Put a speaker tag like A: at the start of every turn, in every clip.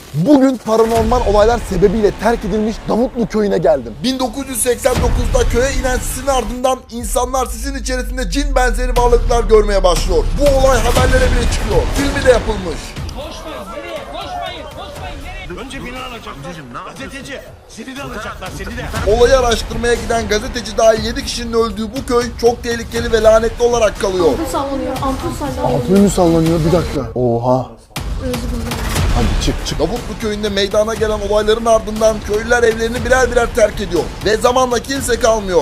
A: Bugün paranormal olaylar sebebiyle terk edilmiş Davutlu köyüne geldim. 1989'da köye inen sisin ardından insanlar sisin içerisinde cin benzeri varlıklar görmeye başlıyor. Bu olay haberlere bile çıkıyor. Filmi de yapılmış.
B: Koşmayın nereye? Koşmayın nereye?
C: Önce beni alacaklar. Gazeteci. Seni de alacaklar seni de.
A: Olayı araştırmaya giden gazeteci dahil 7 kişinin öldüğü bu köy çok tehlikeli ve lanetli olarak kalıyor.
D: Ampul sallanıyor, ampul sallanıyor.
A: Ampul mü sallanıyor? Bir dakika. Oha. Hadi çık. Davutlu köyünde meydana gelen olayların ardından köylüler evlerini birer birer terk ediyor. Ve zamanla kimse kalmıyor.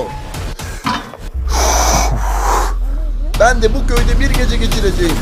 A: Ben de bu köyde bir gece geçireceğim.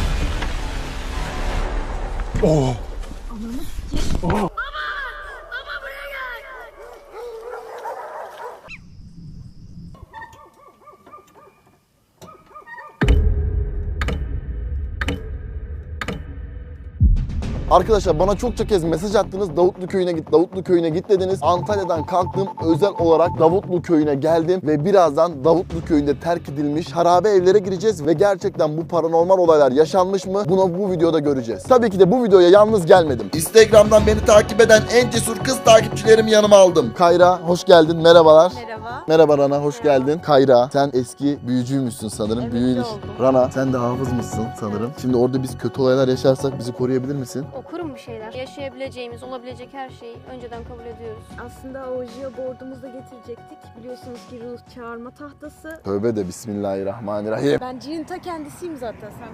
A: Arkadaşlar bana çokça kez mesaj attınız. Davutlu köyüne git, Davutlu köyüne git dediniz. Antalya'dan kalktım. Özel olarak Davutlu köyüne geldim. Ve birazdan Davutlu köyünde terk edilmiş harabe evlere gireceğiz. Ve gerçekten bu paranormal olaylar yaşanmış mı? Bunu bu videoda göreceğiz. Tabii ki de bu videoya yalnız gelmedim. Instagram'dan beni takip eden en cesur kız takipçilerimi yanıma aldım. Kayra hoş geldin. Merhabalar.
D: Merhaba.
A: Merhaba Rana, hoş geldin. Kayra, sen eski büyücüymüşsün sanırım.
D: Evet,
A: Büyüğün
D: oldum.
A: Rana, sen de hafızmışsın sanırım. Şimdi orada biz kötü olaylar yaşarsak bizi koruyabilir misin?
D: Okurum bir şeyler. Yaşayabileceğimiz, olabilecek her şeyi önceden kabul ediyoruz.
E: Aslında Ouija board'umuzu da getirecektik. Biliyorsunuz ki ruh çağırma tahtası.
A: Tövbe de bismillahirrahmanirrahim.
E: Ben cinin ta kendisiyim zaten sen.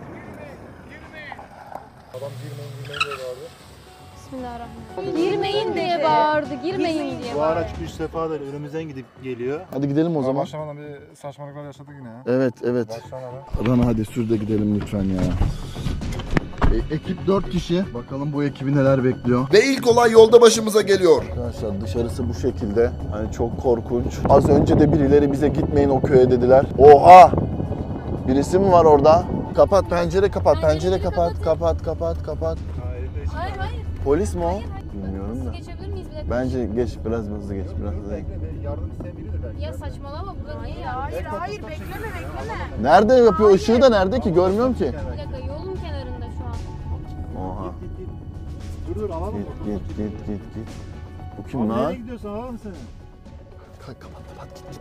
D: Bismillahirrahmanirrahim. Girmeyin diye bağırdı, girmeyin diye
F: Bu
D: bağırdı.
F: araç 3 sefadır önümüzden gidip geliyor.
A: Hadi gidelim o zaman.
G: Başlamadan bir saçmalıklar yaşadık yine ya.
A: Evet.
G: Başlamadan.
A: Rana hadi sür de gidelim lütfen ya. Ekip 4 kişi. Bakalım bu ekibi neler bekliyor. Ve ilk olay yolda başımıza geliyor. Arkadaşlar dışarısı bu şekilde. Hani çok korkunç. Az önce de birileri bize gitmeyin o köye dediler. Oha! Birisi mi var orada? Kapat pencere kapat. Pencere kapat. Kapat.
D: Hayır.
A: Polis mi o? Bilmiyorum da.
D: Geçebilir miyiz bir dakika?
A: Bence geç biraz hızlı geç. Biraz hızlı.
G: Yardım isteyebilir belki.
D: Ya saçmalama burada değil ya.
E: Hayır bekleme.
A: Nerede yapıyor? Işığı da nerede ki? Görmüyorum ki.
D: Bir dakika yolun kenarında şu an.
A: Oha.
F: Dur alalım mı?
A: Git. Bu kim
F: Abi
A: lan?
F: nereye gidiyorsun alalım seni.
A: Kapat git.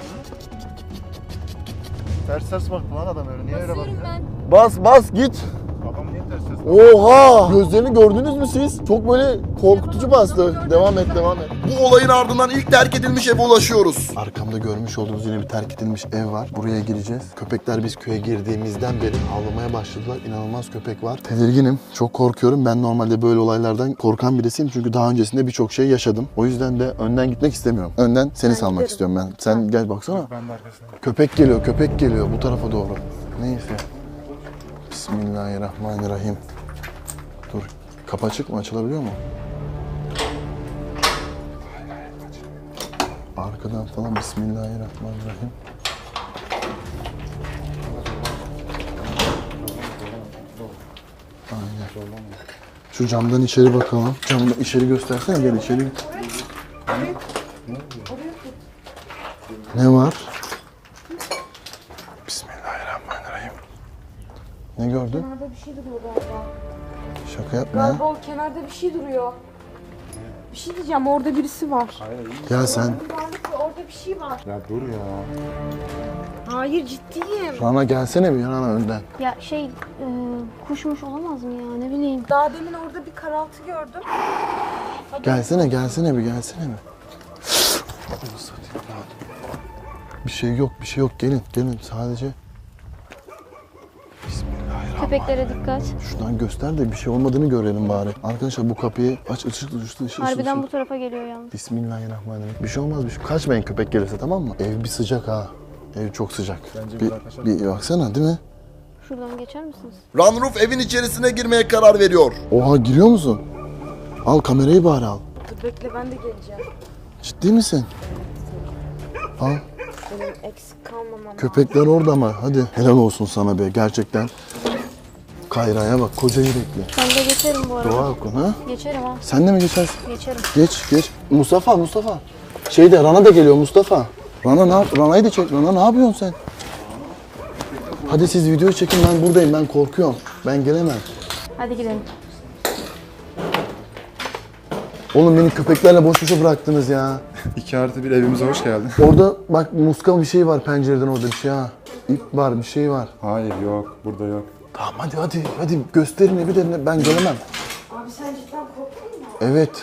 F: Ters baktı lan adam öyle. Niye öyle
D: Basıyorum
F: bakıyor?
D: ben.
A: Bas git.
F: Adam niye ters
A: Oha! Gözlerini gördünüz mü siz? Çok böyle korkutucu bastı. Devam et. Bu olayın ardından ilk terk edilmiş eve ulaşıyoruz. Arkamda görmüş olduğunuz yine bir terk edilmiş ev var. Buraya gireceğiz. Köpekler biz köye girdiğimizden beri havlamaya başladılar. İnanılmaz köpek var. Tedirginim. Çok korkuyorum. Ben normalde böyle olaylardan korkan birisiyim. Çünkü daha öncesinde birçok şey yaşadım. O yüzden de önden gitmek istemiyorum. Önden seni salmak
E: giderim.
A: istiyorum ben. Sen gel baksana.
G: Ben de arkasındayım.
A: Köpek geliyor bu tarafa doğru. Neyse. Bismillahirrahmanirrahim. Dur. Kapı açık mı? Açılabiliyor mu? Arkadan falan Bismillahirrahmanirrahim. Aynen. Şu camdan içeri bakalım. Camdan içeri göstersene. Gel içeri. Ne var? Bismillahirrahmanirrahim. Ne gördün?
E: Kenarda bir şey duruyor galiba.
A: Şaka yapma ya.
E: Galiba o kenarda bir şey duruyor. Bir şey diyeceğim orada birisi var.
A: Ya sen
E: Varlık ve orada bir şey var.
F: Ya dur ya.
E: Hayır ciddiyim.
A: Rana gelsene bir Rana önden.
D: Ya kuşmuş olamaz mı ya ne bileyim.
E: Daha demin orada bir karaltı gördüm.
A: Gelsene bir. Bir şey yok. Gelin sadece. Bismillahirrahmanirrahim.
D: Köpeklere dikkat.
A: Şuradan göster de bir şey olmadığını görelim bari. Arkadaşlar bu kapıyı aç, ışık.
D: Harbiden bu tarafa geliyor yalnız.
A: Bismillahirrahmanirrahim. Bir şey olmaz. Kaçmayın köpek gelirse, tamam mı? Ev bir sıcak ha. Ev çok sıcak.
G: Bence
A: bir baksana, değil mi?
D: Şuradan geçer misiniz?
A: Runroof evin içerisine girmeye karar veriyor. Oha, giriyor musun? Al kamerayı bari al.
E: Dur bekle ben de geleceğim.
A: Ciddi misin? Al.
E: Benim eksik kalmamam.
A: Köpekler orada ama hadi. Helal olsun sana be gerçekten. Kayra'ya bak, koca yürekli.
D: Ben de geçerim bu arada.
A: Dua okun ha.
D: Geçerim ha.
A: Sen de mi geçersin?
D: Geçerim.
A: Geç. Mustafa. Rana da geliyor Mustafa. Rana'yı da çek. Rana ne yapıyorsun sen? Hadi siz videoyu çekin, ben buradayım. Ben korkuyorum. Ben gelemem.
D: Hadi gidelim.
A: Oğlum beni köpeklerle boş boşa bıraktınız ya.
G: 2+1 evimize hoş geldin.
A: Orada bak muska bir şey var pencereden orada bir şey ha. İp var bir şey var.
G: Hayır yok. Burada yok.
A: Tamam hadi gösterin evi de ben gelemem.
E: Abi sen cidden korktun mu?
A: Evet.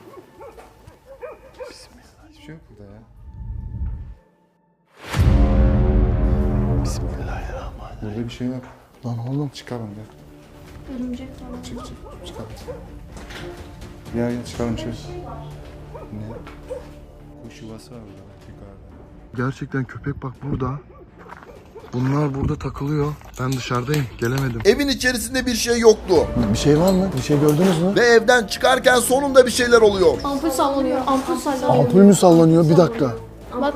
G: Hiçbir şey yok burada ya.
A: Bismillahirrahmanirrahim.
G: Burada bir şey yok.
A: Lan oğlum.
G: Çıkalım gel.
D: Örümcek falan.
G: Çıkalım. Gel çıkalım şey. Ne? Kuş yuvası var burada. Yukarıda.
A: Gerçekten köpek bak burada. Bunlar burada takılıyor. Ben dışarıdayım. Gelemedim.
H: Evin içerisinde bir şey yoktu.
A: Bir şey var mı? Bir şey gördünüz mü?
H: Ve evden çıkarken sonunda bir şeyler oluyor.
D: Ampul sallanıyor. Ampul sallanıyor.
A: Ampul mü sallanıyor? Bir dakika.
D: Bak.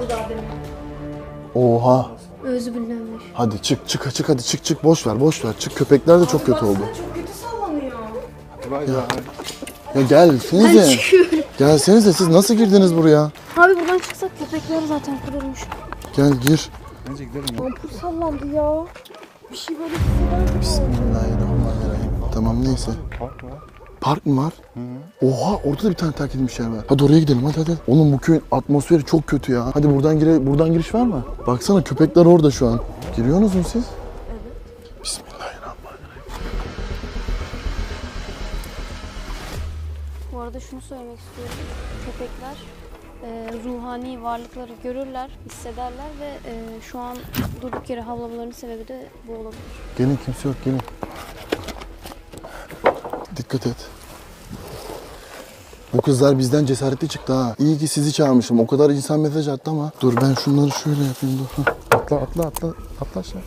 A: Oha.
D: Özü bilinmiş.
A: Hadi çık hadi çık boş ver. Çık köpekler de çok kötü oldu.
E: Çok kötü sallanıyor.
G: Vay be.
A: Ya gelsenize. Gelsenize siz nasıl girdiniz buraya?
D: Abi buradan çıksak köpekler zaten kurulmuş.
A: Gel gir.
G: Bence gidelim ya.
E: Ampul sallandı ya. Bir şey böyle hisseder gibi oldu.
A: Bismillahirrahmanirrahim. Tamam neyse.
G: Park var.
A: Park mı var? Oha orada da bir tane terk edilmiş yer var. Hadi oraya gidelim hadi. Oğlum bu köyün atmosferi çok kötü ya. Hadi buradan giriş var mı? Baksana köpekler orada şu an. Giriyorsunuz mu siz? Evet. Bismillahirrahmanirrahim.
D: Bu arada şunu söylemek istiyorum. Köpekler ruhani varlıkları görürler, hissederler ve şu an durduk yere havlamalarının sebebi de bu olabilir.
A: Gelin kimse yok gelin. Dikkat et. Bu kızlar bizden cesaretli çıktı ha. İyi ki sizi çağırmışım. O kadar insan mesaj attı ama. Dur ben şunları şöyle yapayım dur. Hah.
G: Atla aşağı.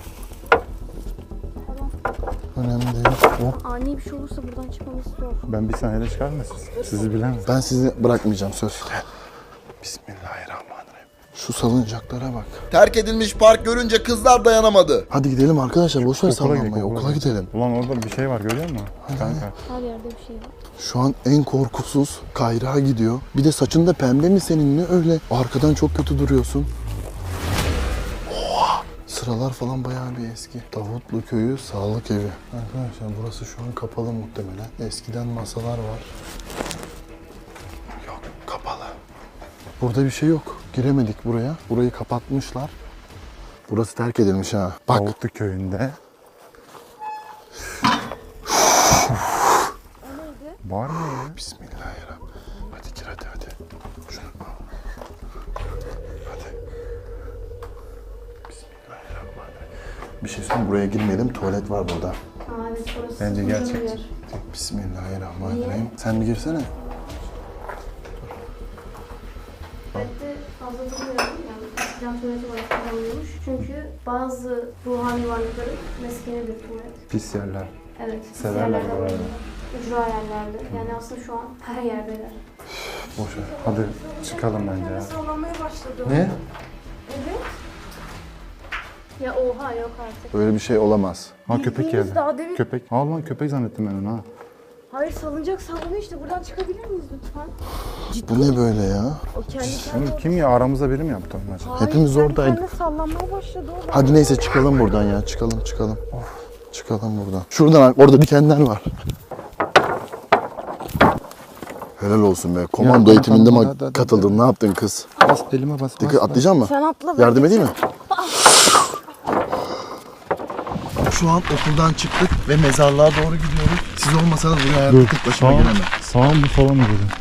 A: Önemli değil. Oh.
D: Ani bir şey olursa buradan çıkmamız zor.
G: Ben bir saniyede çıkarım da sizi bilemem.
A: Ben sizi bırakmayacağım söz. Bismillahirrahmanirrahim. Şu salıncaklara bak.
H: Terk edilmiş park görünce kızlar dayanamadı.
A: Hadi gidelim arkadaşlar. Boş ver sallanmayı.
G: okula
A: Okula gidelim.
G: Ulan orada bir şey var görüyor musun? Kanka.
D: Her yerde bir şey var.
A: Şu an en korkusuz Kayra gidiyor. Bir de saçında pembe mi senin ne öyle? Arkadan çok kötü duruyorsun. Oha! Sıralar falan bayağı bir eski. Davutlu Köyü Sağlık Evi. Arkadaşlar burası şu an kapalı muhtemelen. Eskiden masalar var. Yok kapalı. Burada bir şey yok. Giremedik buraya. Burayı kapatmışlar. Burası terk edilmiş ha. Bak.
G: Davutlu köyünde. Var mı ya?
A: Bismillahirrahmanirrahim. Hadi gir hadi. Şunu al. Hadi. Bismillahirrahmanirrahim. Bir şey söyleyeyim buraya girmeyelim. Tuvalet var burada.
D: Evet, orası
G: Bence
D: uzun
G: gerçek.
D: bir yer.
A: Bismillahirrahmanirrahim. Sen bir girsene.
D: Tuvalette fazla durmuyorum yani. Eskiden tuvalet olarak kullanılıyormuş. Çünkü bazı ruhani varlıkların meskeni bir tuvalet.
G: Pis yerler.
D: Evet.
G: Severler
D: yerlerde
G: buraları.
D: var. Ücra yerlerde. Yani aslında şu an her yerdeler.
A: Boş ver.
G: Hadi çıkalım bence ya.
E: Sallanmaya başladı.
A: Ne?
E: Evet.
D: Ya oha yok artık.
A: Öyle bir şey olamaz.
G: Ha köpek
E: Bildiğiniz
G: geldi.
E: daha demin-
G: Köpek. Ha lan köpek zannettim ben onu ha.
E: Hayır salıncak sallanıyor işte. Buradan çıkabilir miyiz lütfen?
A: Bu ne böyle ya?
E: O kendi
G: Bunu
E: kendine...
G: kim ya aramızda biri mi yaptı onu acaba?
E: Hayır,
A: Hepimiz
E: kendi
A: oradaydık.
E: kendine sallanmaya başladı o.
A: Hadi neyse çıkalım buradan ya. Çıkalım. Çıkalım buradan. Şuradan orada dikenler var. Helal olsun be. Komando
G: Ya,
A: eğitiminde
G: tamam,
A: mi
G: hadi.
A: katıldın? Ne yaptın kız?
G: Bas elime bas.
A: Dikkat atlayacak mı?
E: Sen atla. ben
A: Yardım edeyim mi?
E: geçeyim.
A: Şu an okuldan çıktık ve mezarlığa doğru gidiyoruz. Siz olmasanız buraya hayatta tek başıma gelemem.
G: Sağ mı sola mı dedin?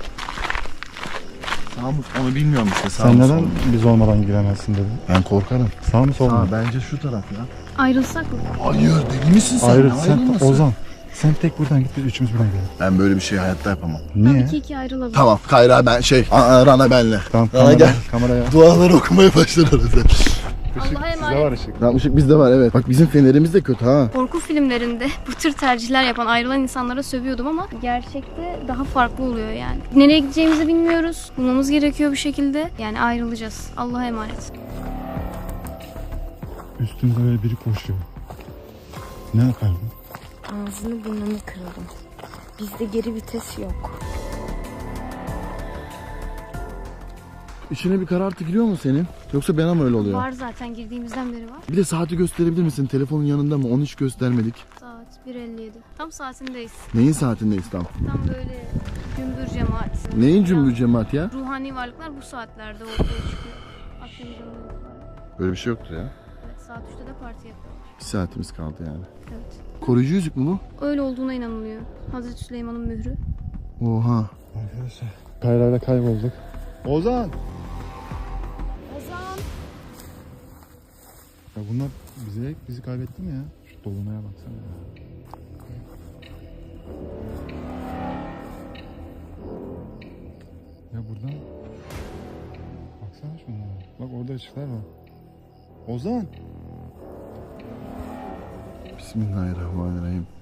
A: Sağ mı? Onu bilmiyorum işte. Sağ
G: Sen
A: mı,
G: neden
A: sol mu?
G: biz olmadan giremezsin dedin?
A: Ben korkarım.
G: Sağ mı sol mu?
A: Bence şu taraf ya.
D: Ayrılsak mı?
A: Hayır deli misin sen?
G: Ayrı
A: Ne
G: sen
A: ayrılması?
G: Ozan. Sen tek buradan git biz üçümüz buradan gidelim.
A: Ben böyle bir şey hayatta yapamam.
G: Niye?
D: 2-2 ayrılabilir.
A: Tamam Kayra ben Rana benle.
G: Tamam
A: Rana gel.
G: kameraya.
A: Duaları okumaya başlar arada.
D: Allah'a
G: Sizde var
D: emanet.
G: ışık.
A: Lan ışık bizde var evet. Bak bizim fenerimiz de kötü ha.
D: Korku filmlerinde bu tür tercihler yapan ayrılan insanlara sövüyordum ama gerçekte daha farklı oluyor yani. Nereye gideceğimizi bilmiyoruz. Bulmamız gerekiyor bir şekilde. Yani ayrılacağız. Allah'a emanet.
G: Üstünde böyle biri koşuyor. Ne yapardın?
E: Ağzını burnunu kıralım. Bizde geri vites yok.
A: İçine bir karartı giriyor mu senin? Yoksa bana mı öyle oluyor?
D: Var zaten girdiğimizden beri var.
A: Bir de saati gösterebilir misin? Telefonun yanında mı? Onu hiç göstermedik.
D: Saat 1.57. Tam saatindeyiz.
A: Neyin saatindeyiz tam?
D: Tam böyle gümbür cemaat.
A: Neyin cümbür cemaat ya?
D: Ruhani varlıklar bu saatlerde ortaya çıkıyor. Akşam üzerinde.
A: Böyle bir şey yoktur ya.
D: Evet, saat 3'te de parti yapıyorlar.
A: 2 saatimiz kaldı yani.
D: Evet.
A: Koruyucu yüzük mü bu?
D: Öyle olduğuna inanılıyor. Hazreti Süleyman'ın mührü.
A: Oha.
G: Arkadaşlar Kayra'yla kaybolduk. Ozan!
E: Ozan.
G: Ya bunlar bizi kaybetti mi ya? Şu dolunaya baksana ya. Ya buradan baksana şunlara. Bak orada ışıklar var. Ozan!
A: Bismillahirrahmanirrahim.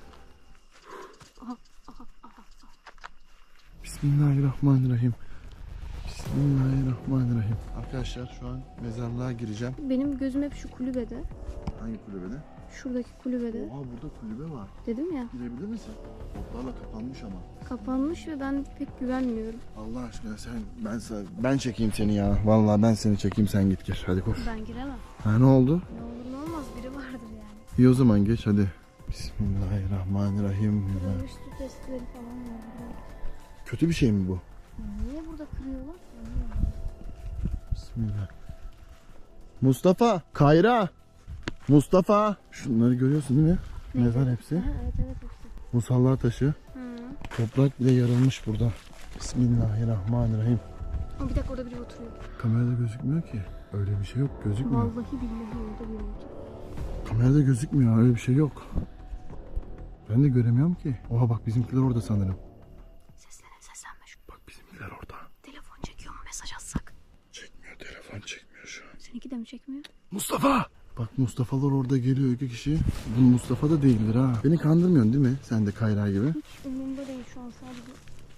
A: Bismillahirrahmanirrahim. Bismillahirrahmanirrahim. Arkadaşlar şu an mezarlığa gireceğim.
D: Benim gözüm hep şu kulübede.
A: Hangi kulübede?
D: Şuradaki kulübede.
A: Oha burada kulübe var.
D: Dedim ya.
A: Girebilir misin? Otlarla kapanmış ama.
D: Kapanmış ve ben pek güvenmiyorum.
A: Allah aşkına ben çekeyim seni ya. Vallahi ben seni çekeyim, sen git gir. Hadi koş.
D: Ben giremem.
A: Ha ne oldu?
D: Ne olur ne olmaz biri vardır yani.
A: İyi o zaman geç hadi. Bismillahirrahmanirrahim.
D: Üstü testleri falan var.
A: Kötü bir şey mi bu?
D: Niye burada kırıyorlar?
A: Bismillah. Mustafa, Kayra. Mustafa. Şunları görüyorsun değil mi? Mezar hepsi.
D: Ha, evet hepsi.
A: Musalla taşı.
D: Hı.
A: Toprak bile yarılmış burada. Bismillahirrahmanirrahim.
D: Ama bir dakika orada biri oturuyor.
A: Kamerada gözükmüyor ki. Öyle bir şey yok. Gözükmüyor.
D: Vallahi billahi orada biri oturuyor.
A: Kamerada gözükmüyor. Öyle bir şey yok. Ben de göremiyorum ki. Oha bak bizimkiler orada sanırım.
D: Seslenme şu.
A: Bak bizimkiler orada.
D: Telefon çekiyor mu mesaj atsak?
A: Çekmiyor. Telefon çekmiyor şu an.
D: Seninki de mi çekmiyor?
A: Mustafa! Bak Mustafa'lar orada geliyor 2 kişi. Bu Mustafa da değildir ha. Beni kandırmıyorsun değil mi? Sen de Kayra gibi.
D: Hiç umurumda değil şu an sadece.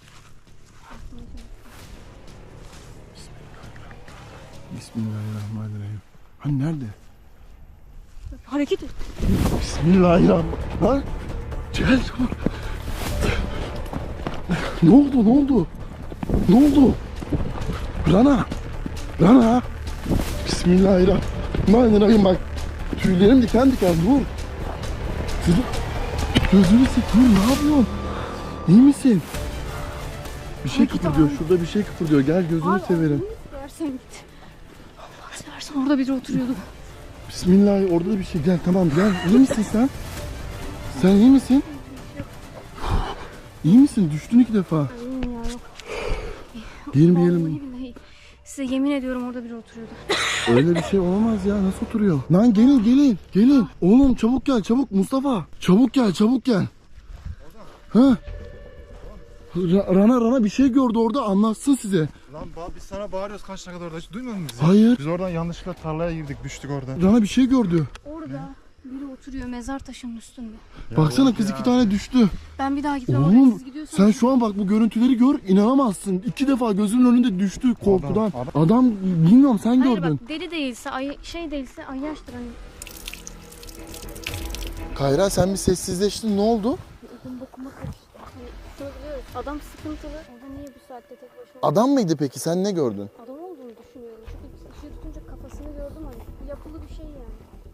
A: Bismillahirrahmanirrahim. Hani nerede?
D: Hareket et.
A: Bismillahirrahmanirrahim. Lan! Gel çabuk. Ne oldu? Ne oldu? Ne oldu? Rana! Rana! Bismillahirrahmanirrahim bak. Tüylerim diken diken dur. Gözünü seveyim, ne yapıyorsun? İyi misin? Bir şey kıpırdıyor. Şurada bir şey kıpırdıyor. Gel gözünü severim.
D: Versen git. Allah seversen orada biri oturuyordu.
A: Bismillah, orada da bir şey. Gel tamam gel. İyi misin sen? Sen iyi misin? İyi misin? Düştün 2 defa.
D: İyiyim ya yok.
A: Girmeyelim.
D: Vallahi billahi. Size yemin ediyorum orada biri oturuyordu.
A: Öyle bir şey olamaz ya. Nasıl oturuyor? Lan gelin. Oğlum çabuk gel çabuk Mustafa. Çabuk gel. Ha? Rana bir şey gördü orada, anlatsın size.
F: Lan biz sana bağırıyoruz kaç dakika orada, hiç duymadın mı bizi?
A: Hayır.
F: Biz oradan yanlışlıkla tarlaya girdik, düştük oradan.
A: Rana bir şey gördü.
D: Orada biri oturuyor mezar taşının üstünde.
A: Baksana kız 2 tane düştü.
D: Ben bir daha gitmem oraya,
A: Oğlum
D: siz gidiyorsanız.
A: sen şu an bak bu görüntüleri gör, inanamazsın. 2 defa gözümün önünde düştü korkudan. Adam bilmiyorum, sen
D: Hayır
A: gördün.
D: bak deli değilse, değilse ayyaştır hani.
A: Kayra sen bir sessizleştin, ne oldu?
D: Ödüm bokuma karıştı. Hani şunu biliyoruz. Adam sıkıntılı. Orada niye bu saatte tek başına?
A: Adam mıydı peki, sen ne gördün?
D: Adam olduğunu düşünüyorum. Çünkü ışığı tutunca kafasını gördüm hani. Yapılı bir şey yani.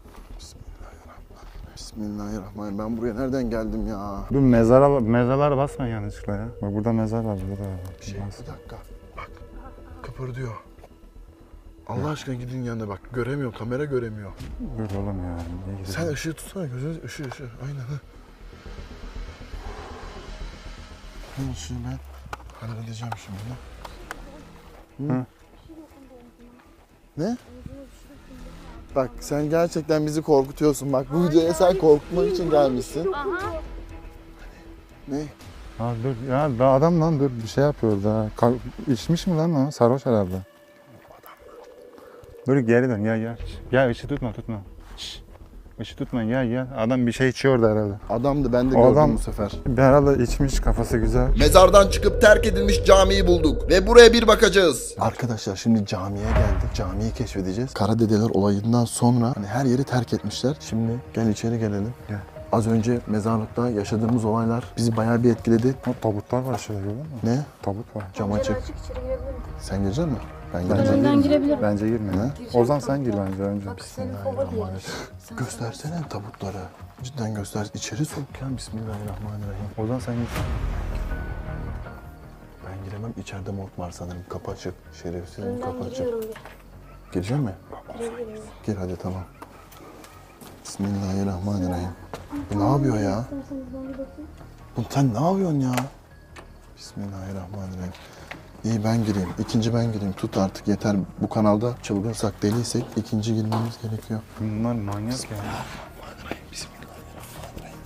A: Bismillahirrahmanirrahim. Ben buraya nereden geldim ya?
G: Dur mezarlara basma yanlışlıkla ya. Bak burada mezar var, burada da var.
A: Bir dakika. Bak. Kıpırdıyor. Allah aşkına gidin yanına bak. Göremiyor. Kamera göremiyor.
G: Dur oğlum ya. Niye gidiyorsun?
A: Sen ışığı tutsana. Gözünü ışığı. Aynen ha. Bu ışığı ben halledeceğim şimdi. Hı? Ne? Bak sen gerçekten bizi korkutuyorsun. Bak bu videoya sen korkutmak için gelmişsin.
D: Aha.
A: Ne?
G: Ha dur ya, daha adam lan, dur bir şey yapıyor da. İçmiş mi lan o? Sarhoş herhalde. Dur geri dön, gel. Gel ışığı tutma. Şşş. Işığı tutma, gel. Adam bir şey içiyor da herhalde.
A: Adamdı, ben de
G: O
A: gördüm
G: adam-
A: bu sefer.
G: Herhalde içmiş, kafası güzel.
H: Mezardan çıkıp terk edilmiş camiyi bulduk ve buraya bir bakacağız.
A: Arkadaşlar şimdi camiye geldik. Camiyi keşfedeceğiz. Karadedeler olayından sonra hani her yeri terk etmişler. Şimdi gel içeri gelelim.
G: Gel.
A: Az önce mezarlıkta yaşadığımız olaylar bizi bayağı bir etkiledi.
G: O tabutlar var şöyle, gördün mü?
A: Ne?
G: Tabut var.
A: Cam açık.
E: Açık içeri girebilirim.
A: Sen girecek misin? Ben
G: Bence
A: gireceğim.
D: Ben girebilirim.
G: Bence girme.
A: Ne?
G: Ozan sen gir bence önce.
E: Bak senin kova diye.
A: Göstersene tabutları. Cidden göster. İçeri sok ya. Bismillahirrahmanirrahim.
G: Ozan sen gir.
A: giremem. İçeride morg var sanırım. Kapı açık. Şerefsizim kapı
E: Ben
A: açık.
E: gidiyorum bir.
A: Girecek mi?
E: Girebilirim.
A: Gir hadi tamam. Bismillahirrahmanirrahim. Bu ne yapıyor ya? Bu sen ne yapıyorsun ya? Bismillahirrahmanirrahim. İyi ben gireyim. İkinci ben gireyim. Tut artık yeter. Bu kanalda çılgınsak deliysek ikinci girmemiz gerekiyor.
G: Bunlar manyak ya.
A: Bismillahirrahmanirrahim. Bismillahirrahmanirrahim.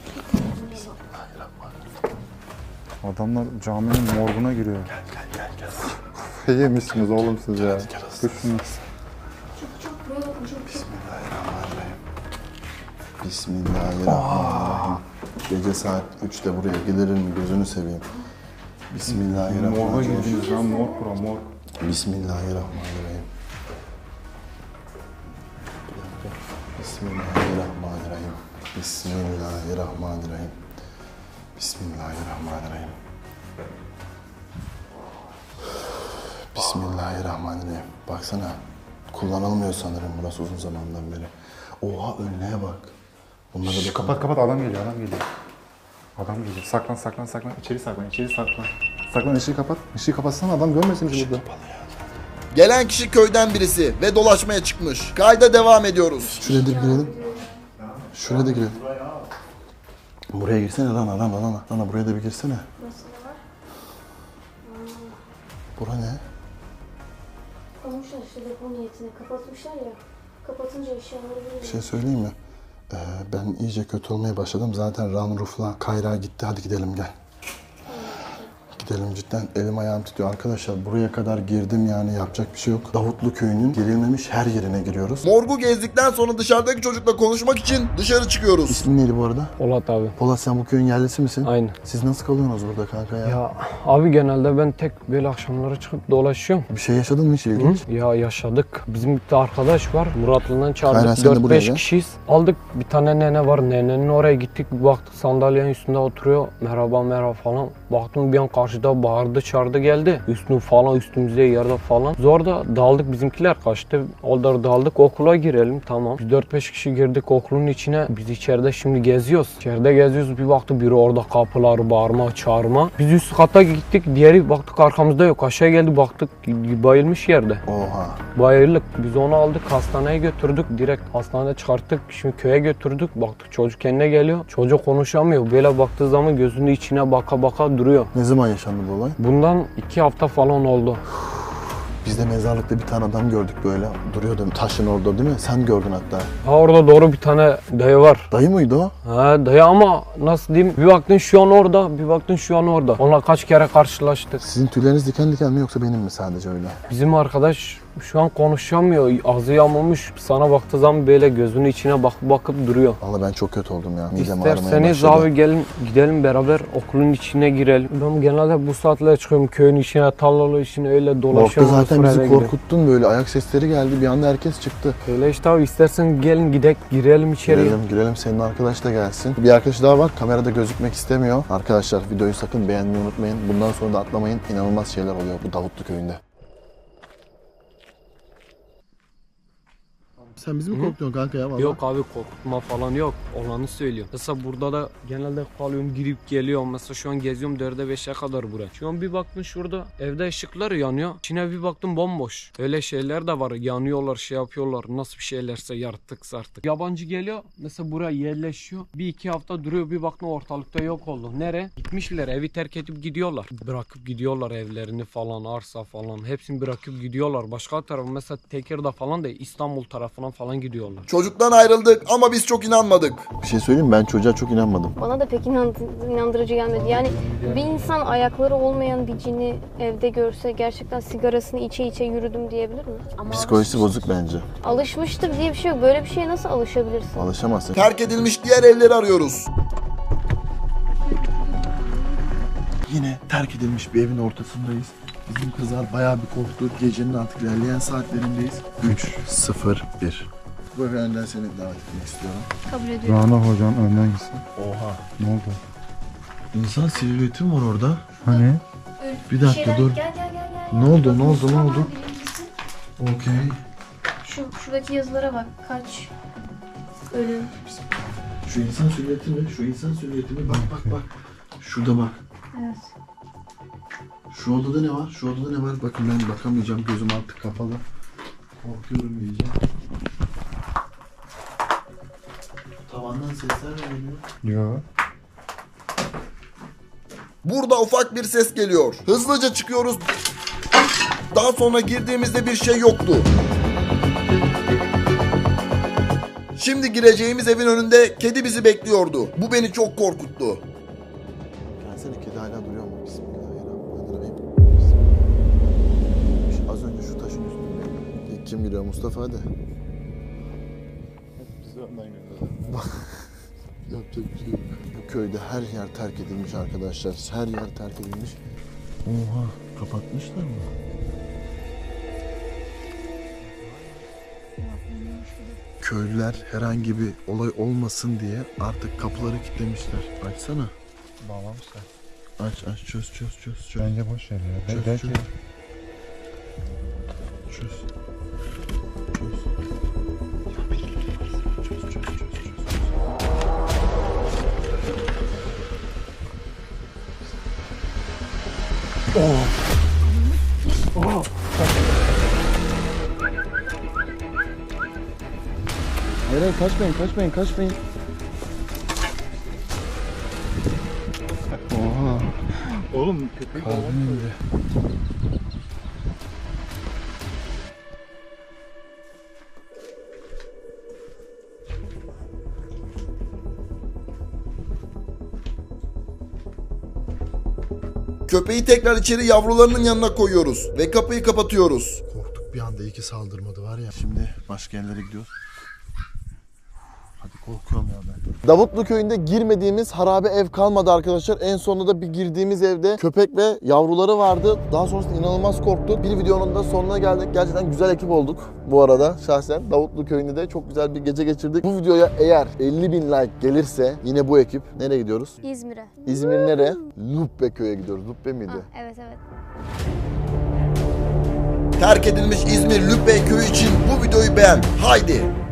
A: Bismillahirrahmanirrahim.
G: Adamlar caminin morguna giriyor. Gel. Yemişsiniz oğlum siz ya. Kuşsunuz.
A: Bismillahirrahmanirrahim. Bismillahirrahmanirrahim. Gece saat 3'te buraya gelirim gözünü seveyim.
G: Morga
A: Bismillahirrahmanirrahim.
G: girdiniz lan morg bura morg.
A: Bismillahirrahmanirrahim. Bismillahirrahmanirrahim. Bismillahirrahmanirrahim. Bismillahirrahmanirrahim. Bismillahirrahmanirrahim. Baksana. Kullanılmıyor sanırım burası uzun zamandan beri. Oha önlüğe bak. Bunlara da
G: Kapat adam geliyor adam geliyor. Adam geliyor. Saklan. İçeri saklan. Saklan ışığı kapat. Işığı kapatsana adam görmesin bizi burada.
H: Gelen kişi köyden birisi ve dolaşmaya çıkmış. Kayda devam ediyoruz.
A: Şuraya da girelim. Şuraya da girelim. Buraya girsene Rana. Rana buraya da bir girsene.
E: Nasıl var?
A: Bura ne?
E: Almışlar işte depo niyetine. Kapatmışlar ya. Kapatınca eşyaları böyle.
A: Bir şey söyleyeyim mi? Ben iyice kötü olmaya başladım. Zaten Ranruf'la Kayra gitti. Hadi gidelim gel. Gidelim cidden. Elim ayağım titriyor. Arkadaşlar buraya kadar girdim yani yapacak bir şey yok. Davutlu köyünün girilmemiş her yerine giriyoruz.
H: Morgu gezdikten sonra dışarıdaki çocukla konuşmak için dışarı çıkıyoruz.
A: İsmin neydi bu arada?
I: Polat abi.
A: Polat sen bu köyün yerlisi misin?
I: Aynı.
A: Siz nasıl kalıyorsunuz burada kanka ya?
I: Ya abi genelde ben tek böyle akşamları çıkıp dolaşıyorum.
A: Bir şey yaşadın mı hiç ilginç?
I: Ya yaşadık. Bizim bir de arkadaş var. Muratlı'dan
A: Aynen,
I: çağırdık.
A: sen de buraya
I: 4-5
A: gel.
I: kişiyiz. Aldık bir tane nene var. Nenenin oraya gittik. Bir baktık sandalyenin üstünde oturuyor. Merhaba falan. Baktım bir an karşıda bağırdı çağırdı geldi. Üstümüze yerde falan. Zor da daldık bizimkiler kaçtı. Orada daldık okula girelim tamam. Biz 4-5 kişi girdik okulun içine. Biz içeride şimdi geziyoruz. İçeride geziyoruz bir baktık biri orada kapıları bağırma çağırma. Biz üst kata gittik. Diğeri baktık arkamızda yok. Aşağı geldi baktık bayılmış yerde.
A: Oha.
I: Bayırlık. Biz onu aldık hastaneye götürdük. Direkt hastanede çıkarttık. Şimdi köye götürdük. Baktık çocuk kendine geliyor. Çocuk konuşamıyor. Böyle baktığı zaman gözünün içine baka baka duruyor.
A: Ne zaman yaşandı bu olay?
I: Bundan 2 hafta falan oldu.
A: Biz de mezarlıkta bir tane adam gördük böyle. Duruyordu taşın orada değil mi? Sen gördün hatta.
I: Ha orada doğru bir tane dayı var.
A: Dayı mıydı o?
I: Ha dayı ama nasıl diyeyim? Bir baktın şu an orada, bir baktın şu an orada. Onunla kaç kere karşılaştık.
A: Sizin tüyleriniz diken diken mi yoksa benim mi sadece öyle?
I: Bizim arkadaş şu an konuşamıyor. Ağzı yamulmuş. Sana baktığı zaman böyle gözünün içine bakıp duruyor.
A: Vallahi ben çok kötü oldum ya. Midem ağrımaya
I: İsterseniz
A: başladı.
I: abi gelin gidelim beraber okulun içine girelim. Ben genelde bu saatlere çıkıyorum köyün içine, tarlalı içine öyle
A: Morgda
I: dolaşıyorum.
A: zaten
I: sonra eve
A: bizi
I: gidiyorum.
A: korkuttun böyle. Ayak sesleri geldi. Bir anda herkes çıktı.
I: Öyle işte abi istersen gelin girelim içeriye.
A: Girelim. Senin arkadaş da gelsin. Bir arkadaş daha var. Kamerada gözükmek istemiyor. Arkadaşlar videoyu sakın beğenmeyi unutmayın. Bundan sonra da atlamayın. İnanılmaz şeyler oluyor bu Davutlu köyünde. Sen bizi mi korkutuyorsun kanka ya vallahi?
I: Yok abi korkutma falan yok. Olanı söylüyor. Mesela burada da genelde kalıyorum girip geliyorum. Mesela şu an geziyorum 4'e 5'e kadar buraya. Şu an bir baktım şurada evde ışıklar yanıyor. İçine bir baktım bomboş. Öyle şeyler de var. Yanıyorlar şey yapıyorlar. Nasıl bir şeylerse yartık sartık. Yabancı geliyor. Mesela buraya yerleşiyor. 1-2 hafta duruyor. Bir baktım ortalıkta yok oldu. Nereye? Gitmişler. Evi terk edip gidiyorlar. Bırakıp gidiyorlar evlerini falan arsa falan. Hepsini bırakıp gidiyorlar. Başka tarafı mesela Tekirdağ falan da İstanbul tarafına falan gidiyorlar.
H: Çocuktan ayrıldık ama biz çok inanmadık.
A: Bir şey söyleyeyim mi? Ben çocuğa çok inanmadım.
E: Bana da pek inandırıcı gelmedi. Yani bir insan ayakları olmayan bir cini evde görse gerçekten sigarasını içe yürüdüm diyebilir mi? Ama
A: Psikolojisi bozuk bence.
E: alışmıştır diye bir şey yok. Böyle bir şeye nasıl alışabilirsin?
A: Alışamazsın.
H: Terk edilmiş diğer evleri arıyoruz.
A: Yine terk edilmiş bir evin ortasındayız. Bizim kızlar bayağı bir korktu. Gecenin artık ilerleyen saatlerindeyiz. 3-0-1. Bu eve önden seni davet etmek istiyorum.
D: Kabul ediyorum.
G: Rana hocan önden gitsin.
A: Oha.
G: Ne oldu?
A: İnsan silüeti mi var orada?
G: Hani?
A: Bir dakika dur.
D: Gel.
A: Ne oldu?
D: Tamam, birincisi.
A: Okey.
D: Şuradaki yazılara bak. Kaç ölüm.
A: Şu insan silüeti mi? Şu insan silüeti mi? Bak. Şurada bak.
D: Evet.
A: Şu odada ne var? Şu odada ne var? Bakın ben bakamayacağım. Gözüm artık kapalı. Korkuyorum iyice. Tavandan sesler mi geliyor?
G: Yok.
H: Burada ufak bir ses geliyor. Hızlıca çıkıyoruz. Daha sonra girdiğimizde bir şey yoktu. Şimdi gireceğimiz evin önünde kedi bizi bekliyordu. Bu beni çok korkuttu.
A: Gelsene, kedi hala duruyor mu? Bismillahirrahmanirrahim. Bismillahirrahmanirrahim. Az önce şu taşın üstünde. İlk kim giriyor? Mustafa hadi.
G: Bizi önden gönder.
A: Yapacak bir şey yok. Bu köyde her yer terk edilmiş arkadaşlar. Her yer terk edilmiş. Oha, kapatmışlar mı? Köylüler herhangi bir olay olmasın diye artık kapıları kilitlemişler. Açsana.
F: Bağlamışlar.
A: Aç çöz.
F: Bence boş ver ya.
A: Çöz,
F: Belki
A: çöz. Çöz. Hayır, kaçmayın. Oha.
F: Oğlum köpek
A: Kalbim indi.
H: Köpeği tekrar içeri yavrularının yanına koyuyoruz ve kapıyı kapatıyoruz.
A: Korktuk bir anda, iyi ki saldırmadı var ya. Şimdi başka yerlere gidiyoruz. Hadi, korkuyorum ya ben. Davutlu köyünde girmediğimiz harabe ev kalmadı arkadaşlar. En sonunda da bir girdiğimiz evde köpek ve yavruları vardı. Daha sonrasında inanılmaz korktuk. Bir videonun da sonuna geldik. Gerçekten güzel ekip olduk bu arada şahsen. Davutlu köyünde de çok güzel bir gece geçirdik. Bu videoya eğer 50.000 like gelirse yine bu ekip nereye gidiyoruz?
E: İzmir'e.
A: İzmir nereye? Lübbe köy'e gidiyoruz. Lübbe miydi?
E: Ha, evet.
H: Terk edilmiş İzmir Lübbe köyü için bu videoyu beğen. Haydi.